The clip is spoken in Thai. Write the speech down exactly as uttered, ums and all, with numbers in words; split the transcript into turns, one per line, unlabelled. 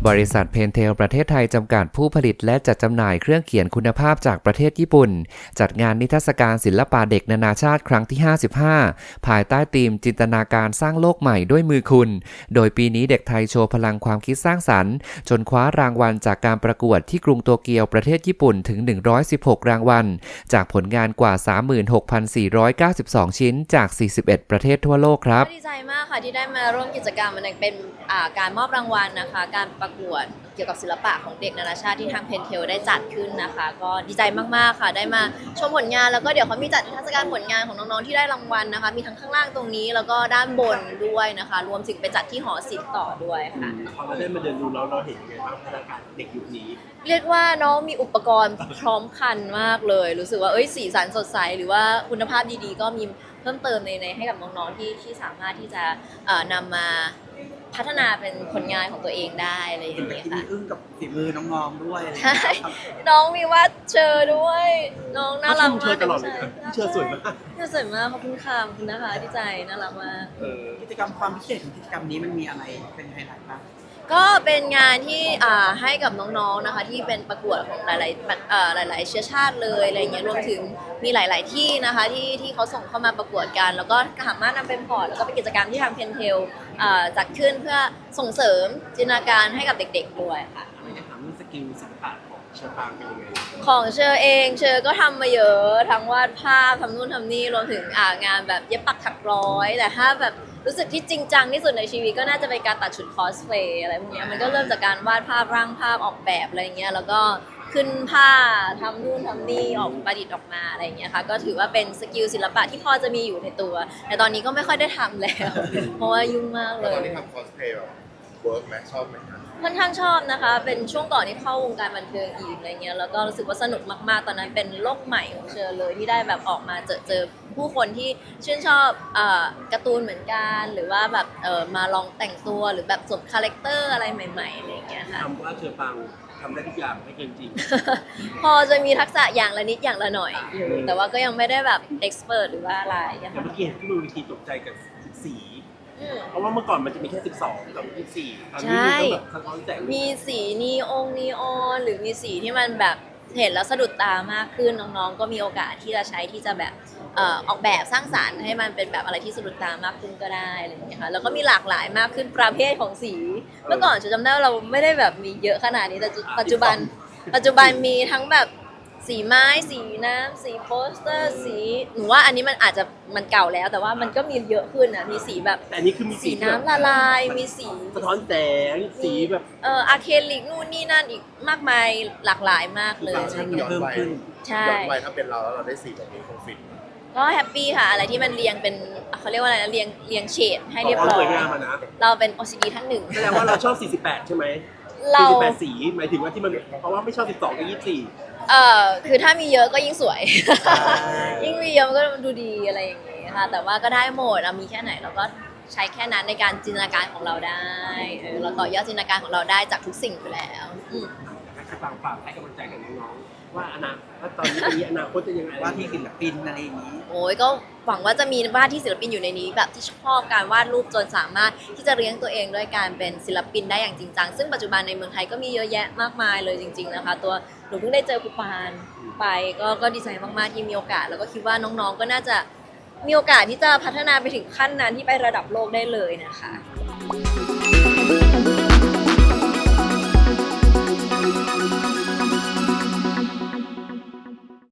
บริษัทเพนเทลประเทศไทยจำกัดผู้ผลิตและจัดจำหน่ายเครื่องเขียนคุณภาพจากประเทศญี่ปุ่นจัดงานนิทรรศการศิลปะเด็กนานาชาติครั้งที่ห้าสิบห้าภายใต้ธีมจินตนาการสร้างโลกใหม่ด้วยมือคุณโดยปีนี้เด็กไทยโชว์พลังความคิดสร้างสรรค์จนคว้ารางวัลจากการประกวดที่กรุงโตเกียวประเทศญี่ปุ่นถึงหนึ่งร้อยสิบหกรางวัลจากผลงานกว่า สามหมื่นหกพันสี่ร้อยเก้าสิบสอง ชิ้นจากสี่สิบเอ็ดประเทศทั่วโลกครับ
ดีใจมากค่ะที่ได้มาร่วมกิจกรรมมันเป็นการมอบรางวัลนะคะการประกวดเกี่ยวกับศิลปะของเด็กนานาชาติที่ทางเพนเทลได้จัดขึ้นนะคะก็ดีใจมากๆค่ะได้มาชมผลงานแล้วก็เดี๋ยวเขามีจัดนิทรรศการผลงานของน้องๆที่ได้รางวัลนะคะมีทั้งข้างล่างตรงนี้แล้วก็ด้านบนด้วยนะคะรวมถึงไปจัดที่หอศิลป์ต่อด้วยค่ะ
พอเราได้มาเดินดูแล้วเราเห็นยังไงบ้างพัฒนาการเด็กยุคนี้
เรียกว่าน้องมีอุปกรณ์พร้อมครันมากเลยรู้สึกว่าเอ้ยสีสันสดใสหรือว่าคุณภาพดีๆก็มีเพิ่มเติมในในให้กับน้องๆที่ที่สามารถที่จะนำมาพัฒนาเป็นผลงานของตัวเองได้อะไรอย่างเงี้ยค่ะ
มีอึ้งกับฝีมือน้องๆด้วย
ใช่น้องมีวาดเชอด้วยน้องน่ารักมาก
เชอตลอดเลยเชอสวยมาก
เชอสวยมากขอบคุณค่ะขอบคุณนะคะดีใจน่ารักมาก
กิจกรรมความพิเศษของกิจกรรมนี้มันมีอะไรเป็นไฮไลท์บ้าง
ก็เป็นงานที่ให้กับน้องๆนะคะที่เป็นประกวดของหลายๆหลายๆเชื้อชาติเลยอะไรเงี้ยรวมถึงมีหลายๆที่นะคะที่ที่เขาส่งเข้ามาประกวดกันแล้วก็สามารถนำเป็นพอร์ตแล้วก็เป็นกิจกรรมที่ทางเพนเทลจัดขึ้นเพื่อส่งเสริมจินตนาการให้กับเด็กๆด้วยค่ะ
อยากถามเรื่องสกิลศิลปะของเชอปางเป็นยังไง
ของเชอเองเชอก็ทำมาเยอะทั้งวาดภาพทำนู่นทำนี่รวมถึงงานแบบเย็บปักถักร้อยแต่ถ้าแบบรู้สึกที่จริงจังที่สุดในชีวิตก็น่าจะเป็นการตัดชุดคอสเพลย์อะไรพวกนี้มันก็เริ่มจากการวาดภาพร่างภาพออกแบบอะไรเงี้ยแล้วก็ขึ้นผ้าทำนู่นทำนี่ออกประดิษฐ์ออกมาอะไรเงี้ยค่ะก็ถือว่าเป็นสกิลศิลปะที่พอจะมีอยู่ในตัวแต่ตอนนี้ก็ไม่ค่อยได้ทำแล้วเพราะว่ายุ่งมากเลย
ตอนนี้ทำคอสเพลย์แบบเวิร์กไหมชอบไหมคะ
ค่อนข้างชอบนะคะเป็นช่วงก่อนที่เข้าวงการบันเทิงอีกอะไรเงี้ยแล้วก็รู้สึกว่าสนุกมากๆตอนนั้นเป็นโลกใหม่ของเชอเลยที่ได้แบบออกมาเจอเจอผู้คนที่ชื่นชอบการ์ตูนเหมือนกันหรือว่าแบบมาลองแต่งตัวหรือแบบสวมคาแรคเตอร์อะไรใหม่ๆอะไรเงี้ยค่ะ
ทำว่าเชอปางทำได้ทุกอย่างไม่เกินจริง
พอจะมีทักษะอย่างละนิดอย่างละหน่อยอยู่แต่ว่าก็ยังไม่ได้แบบเอ็กซ์เพรสหรือว่าอะไร
อย่างเมื่อกี้เห็นที่มือวิธีตกใจกับสีเพราะว่าเมื่อก่อนมันจะมีแค่สิบสองกับยี่สิบสี่ตอนนี้มีแบบสะท้อนแสง
มีสีนีองนีออนหรือมีสีที่มันแบบเห็นแล้วสะดุดตามากขึ้นน้องๆก็มีโอกาสที่จะใช้ที่จะแบบออกแบบสร้างสรรค์ให้มันเป็นแบบอะไรที่สะดุดตามากขึ้นก็ได้อะไรอย่างเงี้ยค่ะแล้วก็มีหลากหลายมากขึ้นประเภทของสีเมื่อก่อนจะจำได้ว่าเราไม่ได้แบบมีเยอะขนาดนี้แต่ปัจจุบันปัจจุบันมีทั้งแบบสีไม้สีน้ำสีโปสเตอร์สีหนูว่าอันนี้มันอาจจะมันเก่าแล้วแต่ว่ามันก็มีเยอะขึ้นนะมีสีแบบ
แต่อันนี้คือมี
สีน้ำละลายมีสี
สะท้อนแสงสีแบบ
เอออะเคลิกนู่นนี่นั่นอีกมากมายหลากหลายมากเลย
เพิ่มขึ้นใช่ย้อนวัยถ้าเป็นเราแล้วเราได้สีแบบนี้คงฟิน
ก็แฮปปี้ค่ะอะไรที่มันเรียงเป็นเขาเรียกว่าอะไรนะเรียงเรียงเฉดให้เรียบร้อยเราเป็น โอ ซี ดี ท่านหนึ่นึ่ง
แสดงว่าเราชอบสี่สิบแปดใช่ไหมสี่สิบแปดสีหมายถึงว่าที่มันเพราะว่าไม่ชอบสิบสองกับยี่สิบสี่
เอ่อคือถ้ามีเยอะก็ยิ่งสวยยิ่งมีเยอะมันก็ดูดีอะไรอย่างเงี้ยค่ะแต่ว่าก็ได้หมดเรามีแค่ไหนเราก็ใช้แค่นั้นในการจินตนาการของเราได้เออเราต่อยอดจินตนาการของเราได้จากทุกสิ่งอยู่แล้ว
ฝากฝากให้กำลังใจกับน้องๆว่าอนาคตตอนนี้ปีอนาคตจะยังไง
ว่าที่ศิลปินอะไรอย่างนี้
โอ้ยก็หวังว่าจะมีวาดที่ศิลปินอยู่ในนี้แบบที่ชอบการวาดรูปจนสามารถที่จะเลี้ยงตัวเองด้วยการเป็นศิลปินได้อย่างจริงจังซึ่งปัจจุบันในเมืองไทยก็มีเยอะแยะมากมายเลยจริงๆนะคะตัวหนูเพิ่งได้เจอครูปานไปก็ก็ดีใจมากๆที่มีโอกาสแล้วก็คิดว่าน้องๆก็น่าจะมีโอกาสที่จะพัฒนาไปถึงขั้นนั้นที่ไประดับโลกได้เลยนะคะ